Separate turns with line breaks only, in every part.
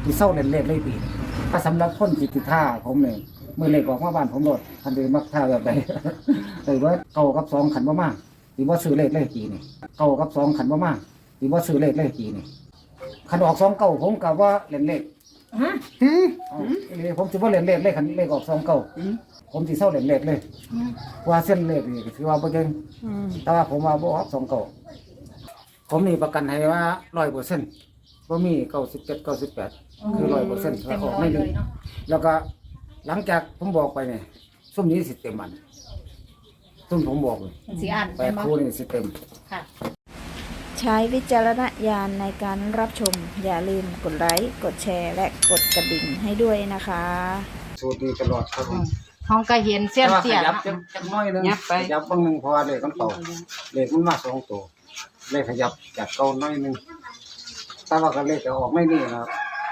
ที่เศร้าเล่นเลขเลยปีถ้าสำหรับคนจิตท่าผมเนี่ยมือเลขออกมาบ้านผมโหลดทันทีมักท่าแบบใดเลยว่าเก่ากับ2ขันบ่มากที่ว่าซื้อเลขปีนี่เก่ากับ2ขันบ่มากที่ว่าซื้อเลขปีนี่ขันออก2เก่าผมกับว่าเล่นเลขผมถือว่าเล่นเลขขันเลขออก2เก่าผมที่เศร้าเล่นเลขเลยว่าเส้นเลขนี่ถือว่าบ่เก่งแต่ว่าผมว่าบ่ออก2เก่าผมมีประกันให้ว่า 100%บ่มี97 98คือ 100%ถ้าออกไม่ดีแล้วก็หลังจากผมบอกไปเนี่ยซุ่มนี้สิเต็มมันซุ่มผมบอกเลย
สีอ่าน
8 คู่นี่สิเต็ม
ค่ะ
ใช้วิจารณญาณในการรับชมอย่าลืมกดไลค์กดแชร์และกดกระดิ่งให้ด้วยนะคะ
สูตรนี้ตลอดครับผม
ห้องก็เห็นเส้นเสีย
ยับจักน้อยนึงยับบางนึงพอเลขมันเต่าเลขมันมา2ตัวเลขขยับจากเก่าน้อยนึงแต่ว่าก็เลขจะออกไม่นี่นะครับ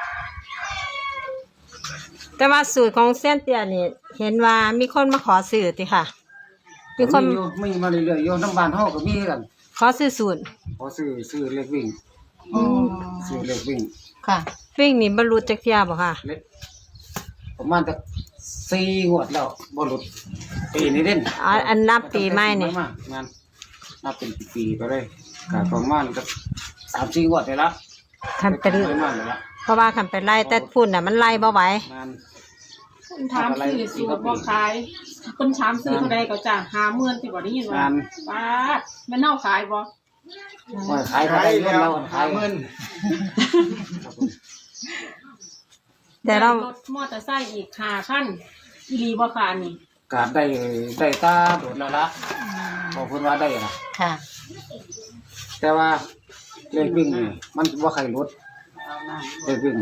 แต่ว่าสูตรของเส้นเตี้ยนี่เห็นว่ามีคนมาขอซื้อติค่ะมีคน
มีมาเรื่อยๆโยนน้ำบานเฮาก็มีกัน
ขอซื้อสูตร
ขอซื้อเลขวิ่งซื้อเลขวิ่ง
ค่ะวิ่งนี่บรรลุจักเที่ยบ่ค่ะ
ประมาณจะ4 งวดแล้วบ่หลุดปีนี้เด่น
อันนับปีใหม่นี่
งานนับเป็นปีไปเลยก็ประมาณก็3-4 งวดได้ละ
คันเป็นเพราะว่าคันเป็นไล่แต่ฝุ่นน่ะมันไล่บ่ไหว
คุณถามซื้อสูตรบ่ขายคุณถามซื้อเท่าใดก็จ้ะ50,000ที่บ่ได้ยินว่าป้าแม่นเฮาขายบ่
ขายแล้วขายเงิน
แต่เรา
รถมอเตอร์ไซค์อีก5,000อีหลีบ่ค่ะนี่
ก็ได้ตาโดดแล้วละขอบคุณว่าได้ล่ะ
ค่ะ
แต่ว่าเลขวิ่งนี่มันบ่ใครลดเลขวิ่ง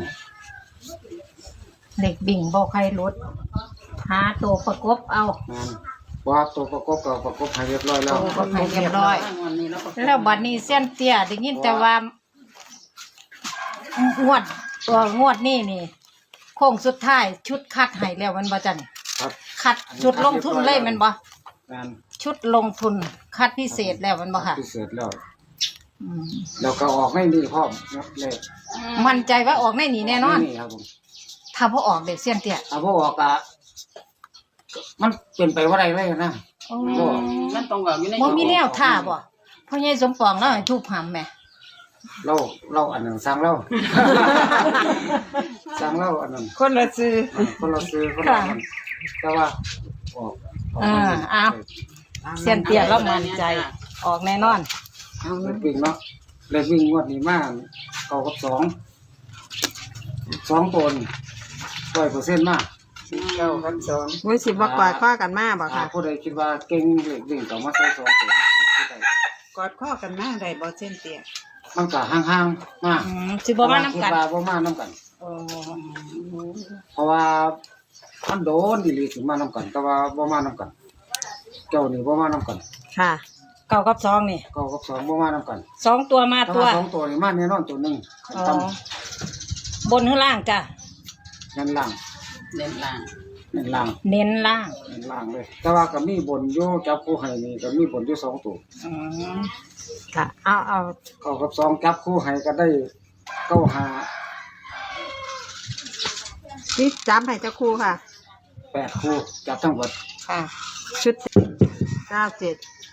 เด็กบิ่งบ่ใครลดหาตัวประกบเอา
ว่าตัวประกบก็ประกบให้เรียบร้อยแล้ว
ประกบให้เรียบร้อยแล้วบัดนี้เส้นเตี้ยได้ยินแต่ว่างวดนี่โค้งสุดท้ายชุดคัดให้แล้วมันบ่จัน
ครับ
คัดชุดลงทุนเลยมันบ่ชุดลงทุนคัดพิเศษแล้วมันบ่ค่ะ
พิเศษแล้วแล้วก็ออกไม่ดีพร้อมเลย
มั่นใจว่าออกในนี้แน่นอน
นี่ครับผม
ถ้าบ่ออกเด็กเสี้ยนเตี้ย
ถ้าบ่ออกอ่ะมันเป็นไปว่าไรเลยนะ
มันตรงกับอยู่ในบ่มีแนวท่าบ่พ่อใหญ่สมปองแล้วให้ทุบหำแม่
เราอันนั้นสั่งเราอันนั้น
คนละซื้อ
คนละแต่ว่าออก
อ้าวเสี้ยนเตี้ยแล้วมั่นใจออกแน่นอน
เลขวิ่งเนาะเลขวิ่งงวดนี้มาเก่ากับ2ตัว100%มาก
9 กับ 2มื้อสิบ่กอดข้อกันมาบ่ค่ะ
ผู้ใดคิดว่าเก่งเลขวิ่งก็มาใส่2ตัว
กอดข้อกันมาได้บ่เส้นเตี้ย
มันก็ห่างๆมาก
สิบ่มานํกัน
บ่มานํกันเพราะว่ามันโดนดิลิสิมานํกันแต่ว่าบ่มานํกันเจ้านี่บ่มานํกัน
ค่ะ9 กับ 2นี่
9 กับ 2บ่มานํกัน
2ตัวมาตัว
2ตัวนี่มาแน่นอนตัวนึง
บนหรือล่างจ้ะ
เน้นล่างเลยแต่ว่าก็มีบนอยู่จับคู่ให้นี่ก็มีบนอยู่2ตัว
ค่ะเอา
9 กับ 2จับคู่ให้ก็ได้95
นี่จับให้เจ้าคู่ค่ะ
8คู่จับทั้งหมด
ค่ะชุด97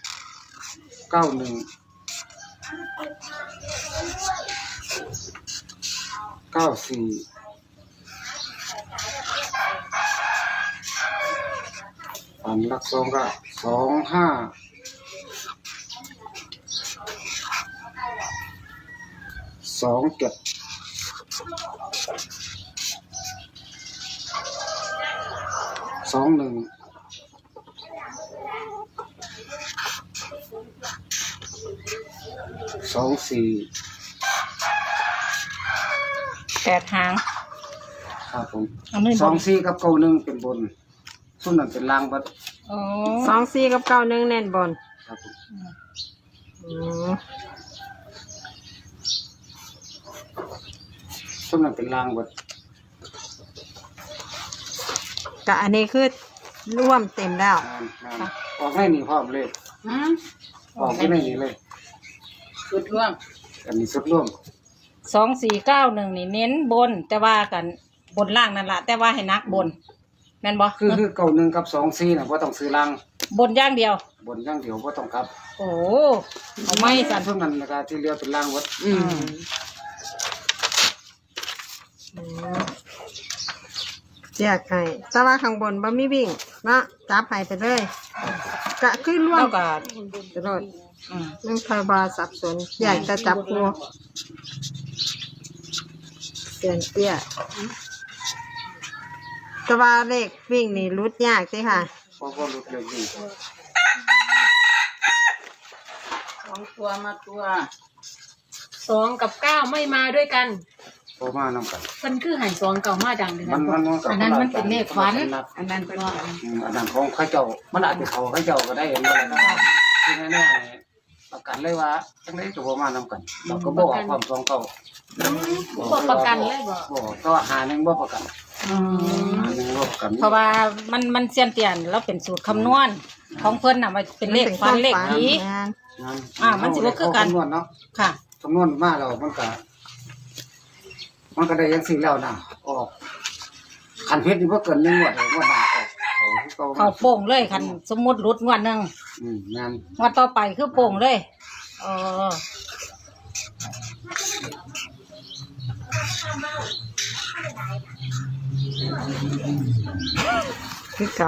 91 94อันลัก2ก็25 27 21 24
8 หาง
ครับผม24 กับ91เป็นบนส่วนนั้นเป็นล่างบัด
24 กับ 91เน้นบน
ครับผมส่วนนั้นเป็นล่างบัด
ก็อันนี้คือร่วมเต็มแล้ว
ออกให้นี่พร้อมเลยออกให้นี่เลย
สุดร่วม
อันนี้สุดร่วม
2491นี่เน้นบนแต่ว่ากันบนล่างนั่นล่ะแต่ว่าให้นักบนแม่นบ่
คือเก่าหนึ่งกับ24น่ะบ่ต้องซื้อล่าง
บนอย่างเดียว
บนอย่างเดียวบ่ต้องกลับ
โอ้เอาไม่สั่น
เท่านั้นแล้วก็ที่เหลือเป็นล่างหมด
แยกให้แต่ว่าข้างบนบ่มีวิ่งเนาะจับให้ไปเลยก็คือร่วมกับตลอดเรื่องไทยบาสับสนอยากจะจับคู่เสียนเตี้ยแต่ว่าเลขวิ่งนี่รุดยากสิค่ะ
เพราะว่าหลุดเลยนี่
2 ตัวมาตัว2กับ9ไม่มาด้วยกัน
โตมานำกัน
เพิ่นคือให้2เก่ามาดังเด้อ
อันนั้นมันเป็นเลขฝัน
อันนั้นเป็นว่า
อันนั้นของเขาเจ้ามันอาจจะเขาเขาเจ้าก็ได้เห็นบ่ล่ะที่แน่ๆประกันเลยว่าจังได๋ก็บ่มานำกันเราก็บ่ออกความสองเก่า
บ่ประกันเลยบ่
บ่ก็หาหนึงบ่ประกันหาหนึงบ่ประกัน
เพราะว่ามันเสียนเตียนแล้วเป็นสูตรคำนวณของเพิ่นน่ะมันเป็นเลขฟันเลขผี มันสิบ่คือกัน
คำนวณเนาะ
ค่ะ
คำนวณมาแล้วมันก็ได้จังซี่แล้วนะออกคันเพชรนี่บ่เกิน1งวดเลยงวดหน้าออก
เขาโป่งเลยคันสมมุติรุดงวดหนึง
งาน
งวดต่อไปคือโป่งเลยคือเก่า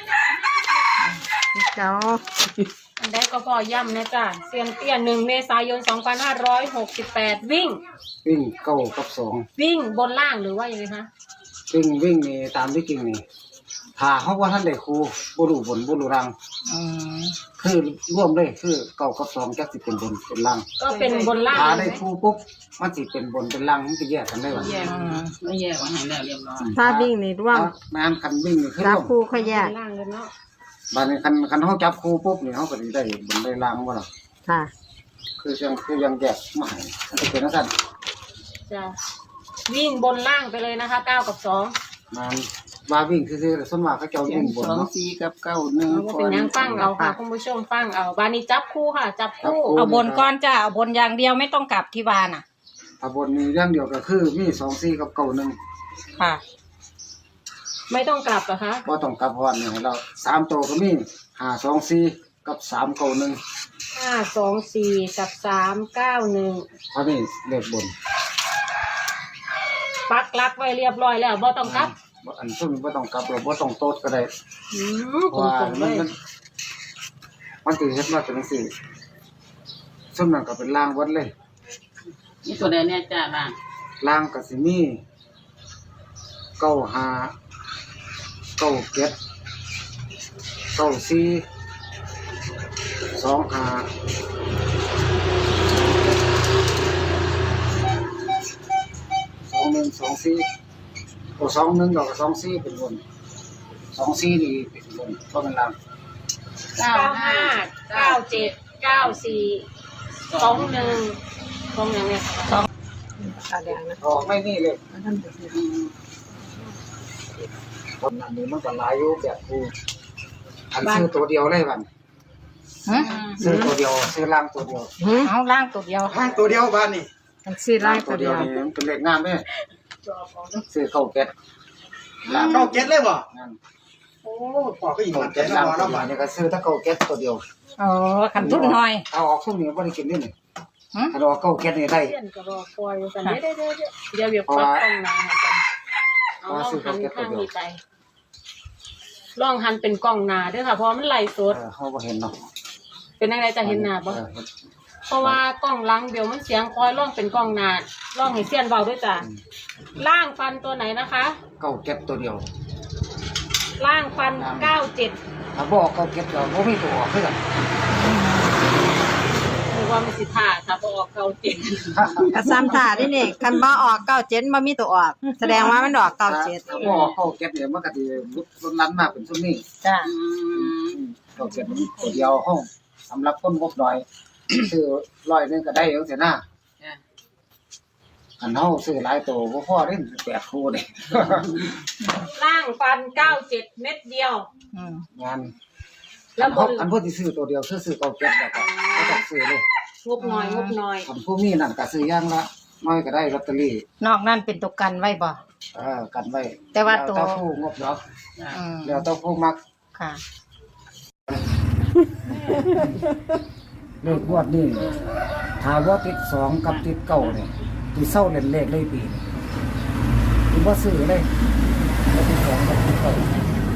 อันใดก็พอย้ำนะจ้ะเซียนเตี้ย1 เมษายน 2568 วิ่ง
เก้ากับสอง
วิ่งบนล่างหรือว่ายังไงคะ
วิ่งนี่ตามที่จริงนี่ถ้าเฮาว่าท่านได้ครูบ่รู้บนบ่รู้ล่างคือร่วมเลยคือเก้ากับสองจักสิเป็นบนเป็นล่าง
ก็เป็นบนล่าง
ถ้า
เล
ได้
ย
ครูปุ๊บมันสิเป็นบนเป็นล่างมันจะแยกกันได้ว่า
ไม่แยกว่าให้แล้วเรียบร้อย
ถ้าวิ่งนี่ร่วม
งานคันวิ่งนี่คือ
จับ
ร่วม
คู่เขาแยก
บนล่างเลยเนาะ
บัดนี้คันเฮาจับครูปุ๊บนี่เฮาก็สิได้บนได้ล่างบ่ล่ะ
ค่ะ
คือยังแยกมาให้มันจะเป็นจังซั่น
จ้ะวิ่งบนล่างไปเลยนะคะ9กับ2
มันว่าวิ่งคือส่วนมากเขาเจ้าวิ่งบนเนาะ
4กับ9
เอาว่าเป็นยังฟังเอาค่ะคุณผู้ชมฟังเอาบานี้จับคู่ค่ะ จับคู่
เอาบนก้อนจ้าเอาบนอย่างเดียวไม่ต้องกลับที่วาน่ะ
ถ้าบนนี้อย่างเดียวก็คือมี24กับ91
ค่ะ
ไม่ต้องกลับเหรอคะ
บ่ต้องกลับเพราะว่านี่ให้เรา3ตัวก็มี524กับ391
524กับ391
เพราะนี่เลขบน
ปักหลักไว้เรียบร้อยแล้วบ่ต้องกลับ
อันซุ่มบ่ต้องกลับเราบ่ต้องโต๊ดก็ได้
ตรงๆเลย
มันสิเฮ็ดมาจังซี่ซุ่มนั่นก็เป็นล่างวัดเลย
นี่ตัวใดเนี่ยจ้าล่ะ
ล่างก็สิมี95 97 2124ตัว21ดอกก็24เป็นบน24นี่เป็นบนก็เป็นล่าง
95 97 94 21ตรงอย่างเนี้ย
ออกไม่นี่เลยคนนั้นนี่มันก็หลายอยู่แบบกูอันซื้อตัวเดียวเลยบัดซื้อตัวเดียวซื้อล่างตัวเดียว
เอาล่างตัวเดียว
ล่างตัวเดียวบ้านนี่
มันซื้อล่างตัวเดียว
นี่มันเป็นเลขงามเด้ซื้อเข้าเก็ตล่าง
เข้าเก็ตเลยบ่
นั่น
โอ้ปอกก็อีก
เข้า
มัน
เก็
เก็
ต
ต
ล่าง
แล้ว
ตัว
บ่
เดียวนี่ก็ซื้อถ้าเข้าเก็ตตัวเดียว
อ๋อขันทุนหน่อย
เอาออกช่วงนี้บ่ได้กินนี่นี่ถ้าเราเข้าเก็ตนี่ได้
เพื่อนก็รอคอยว่ากันเดี๋ยวปักกล้องหน้าให้กันเอาลองหันข้างนี้ไปลองหันเป็นกล้องหน้าด้วยค่ะเพราะมันไล่สด
เฮาบ่เห็นเนาะ
เป็นอะไรจะเห็นหน้าบ่เพราะว่ากล้องหลังเดี๋ยวมันเสียงคอยลองเป็นกล้องหน้าลองให้เสียนเบาด้วยจ้ะล่างฟันตัวไหนนะคะ
เข้าเก็ตตัวเดียว
ล่างฟัน97
ถ้าบ่เข้าเก็ตก็บ่มีตัวออกคือกัน
หรือว่ามันสิท่าถ้าบ่ออก97
กระซ้ำถ่าได้นี่คันบ่ออก97บ่มีตัวออก แสดงว่ามันออก97
ถ้าบ่เข้าเก็ตเนี่ยมันก็สิลดลันมาเป็นซุมนี้
จ้า
เข้าเก็ตมันตัวเดียวเฮาสำหรับคนงบน้อย ซื้อ100นึงก็ได้จังซี่นะอันเฮาซื้อหลายตัวบ่พอเด้8คู่นี่
ล่างฟัน97เม็ดเดียว
งาน
แล้วบน
อันพวกที่ซื้อตัวเดียวซื้อเก่าเก็บแล้วก็บ่ต้องซื้อเลย
งบน้อย
อันพวกนี้นั่นก็ซื้อย่างละน้อยก็ได้ลอตเตอรี่
นอกนั่นเป็นตัวกันไว้บ่
กันไว้
แต่ว่าตัว
แล้วผู้งบดอก
อืม
แล้วต้องผู้มัก
ค่ะ
เลขงวดนี่ถามว่าติดสองกับติดเก้าเนี่ยที่เศร้าเล่นเลขเลยปีนี่ที่ว่าซื้อเลยแล้วติดสองกับติดเก้า
นั่น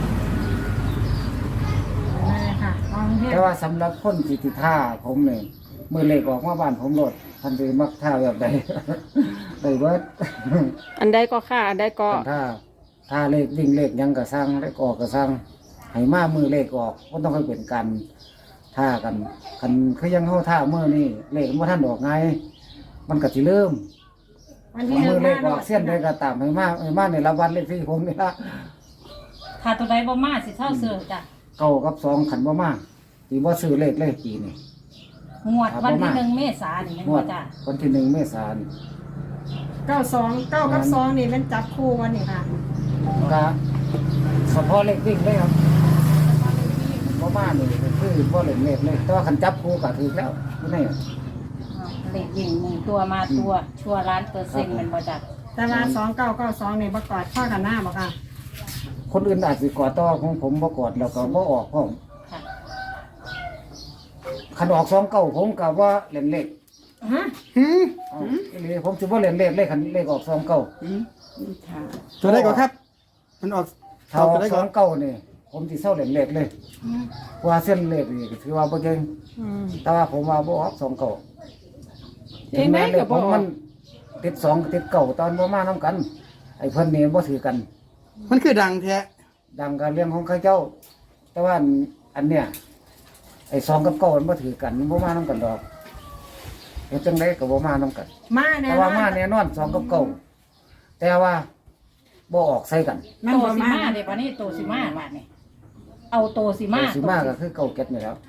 แหละค่ะมองเห็น
แต่ว่าสำหรับคนที่ติดท่าผมเนี่ยมือเลขออกมาบ้านผมโลดทันทีมักท่าแบบใด ได้เบิด
อันใดก็ค่ะอันใดก็
ถ้าเลขวิ่งเลขหยังกระสร้างเลขออกกระสร้างให้มามือเลขออกก็ต้องให้เป็นกันท่ากันคือยังเข้าท่ามือนี่เลขมันท่านออกไงมันก็สิเริ่ม
วันที่
มือเลขอ
1
อกเส้นได้ก็ตามให้มาในละวันเลขที่ผมนี่ละ
ถ้าตัวใดบ่มาสิเท่าเสือจ้ะ
เก้ากับสองขันบ่มาตีบ่ซื้อเลขปีนี่
งวดวัน
บ่
ที่
มา
1 เมษายนนี่แม่น
งว
บ่
ด
จ้ะ
วันที่1 เมษายน
92 9กับ2นี่เป็นจับคู่วันนี้ค่ะ
ก็เฉพาะเลขวิ่งเลยครับบ่มานี่ก็คือบ่เล่นเลขเลยแต่ว่าคันจับคู่ก็ถูกแล้วไม่ได้
เลขวิ่ง1ตัวมาตัวชัวร์1,000,000แม่นบ่จ้ะ
แต่ว่า2992นี่บ่กอดข้อกันหน้าบ่ค่ะ
คนอื่นอาจสิกอดต่อของผมบ่กอดแล้วก็บ่ออกพร้อม
ค่ะ
คันออก29ผมก็ว่าเล่นเลข
ฮะ
อ้าวอีหลีผมสิบ่เล่นเลขคันเลขออก29
ตัวได้ก่อนครับ มันออก
ถ้าออก29นี่ผมสิเซาเล่นเลขเลยว่าเส้นเลขนี่ก็ถือว่าบ่เก่งแต่ว่าผมว่าบ่ออก29ถึงแม้เลขผมมันติด2ติด9ตอนบ่มานํกัน ไอ้เพิ่นนี่บ่ถือกัน
มันคือดังแท้
ดังการเรื่องของข้าเจ้า แต่ว่าอันเนี้ยไอ้2กับ9มันบ่ถือกันมันบ่มานํกันดอกเฮ็ดจังได๋ก็บ่มานํกัน
มาแน่
แต่
น
ว่า
อน
มาแน่นอน2กับ9แต่ว่าบ่ออกใส่กัน
มัน
โต
บ่
สิ
มา
มาเด้บัดนี้โตสิมาบาดนี้เอาโตสิมา
สิมาก็คือเก่าเก็ตนี่แหล้ว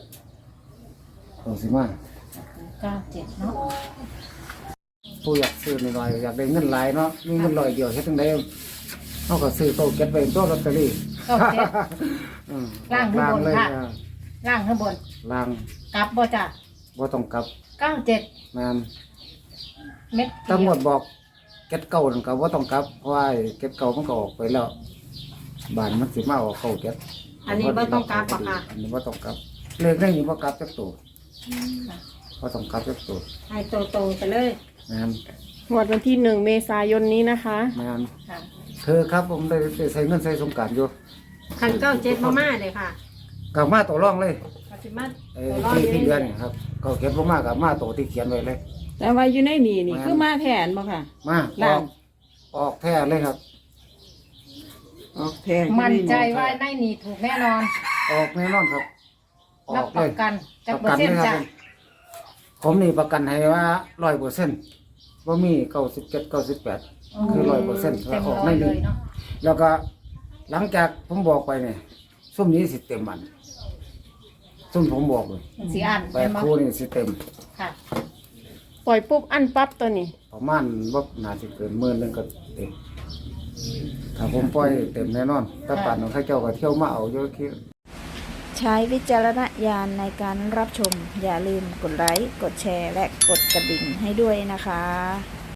สิมา
97เนาะ
ผู้อยากซื้อหน่อยๆอยากได้เงินหลายเนาะมีเงิน100เดียวเฮ็ดจังได๋เฮาก็ซื้อเก่าเก็ตไว้ตัวลอตเตอรี่
97
อืม
ล่างข้างบน
เลย
ค่ะ ล่างข้างบน
ล่าง
กลับบ่จ้ะ
บ่ต้องกลับ
97
แม่น
เม็ด
ตำรวจบอกเก็ตเก่านั่นก็บ่ต้องกลับเพราะว่าไอ้เก็ตเก่ามันก็ออกไปแล้วบ้านมันสิมาออกเก่าเก็ต
อันนี้บ่ต้องกลับบ่ค่ะ
อันนี้บ่ต้องกลับเลขในนี้บ่กลับจักตัวบ่ต้องกลับจักตัว
ให้โตๆไปเลย
แม่น
งวดวันที่1 เมษายนนี้นะคะ
แม่น
ค่ะ
คือครับผมได้ใช้เงินใช้สงกรารอยู่
คัน97บ่มาเลยค่ะ
กลับมาตัวร่องเลย
ก็สิมา
ไอ้ที่เดือนนี่ครับก็เก็บบ่มากับมาตัวที่เขียนไว้เลย
แต่ว่าอยู่ในนี่คือมาแทนบ่ค่ะ
มาอ
ล่า
อง กออกแท้เลยครับ
มั่นใจว่าในนี่ถูกแน่นอน
ออกแน่นอนครับ อ
รั
อบ ก
ป
เล
ระ
ย
กันจัก
ป
เประ อ
กัน
ร์เซ็น
เลย
ต์
ครับ
จ้ะ
ผมนี่ประกันให้ว่า100%บ่มี97 98คือ100%แล้วออกใน
เล
นี้
ยเนาะ
แล้วก็หลังจากผมบอกไปเนี่ยซุ่มนี้สิเต็มมันซุ่มผมบอกเลย
สีอ่าน
แป
เป็
ด
นบ่
คู่นี่สิเต็ม
ค่ะ
ปล่อยปุ๊บอันปั๊บตัวนี้
ประมาณว่าน่าจะเกิน10,000ก็เต็มถ้าผมปล่อยเต็มแน่นอนถ้าป่านของข้าเจ้าก็เที่ยวมาเอาเยอะคิด
ใช้วิจารณญาณในการรับชม อย่าลืมกดไลค์ กดแชร์ และกดกระดิ่งให้ด้วยนะคะ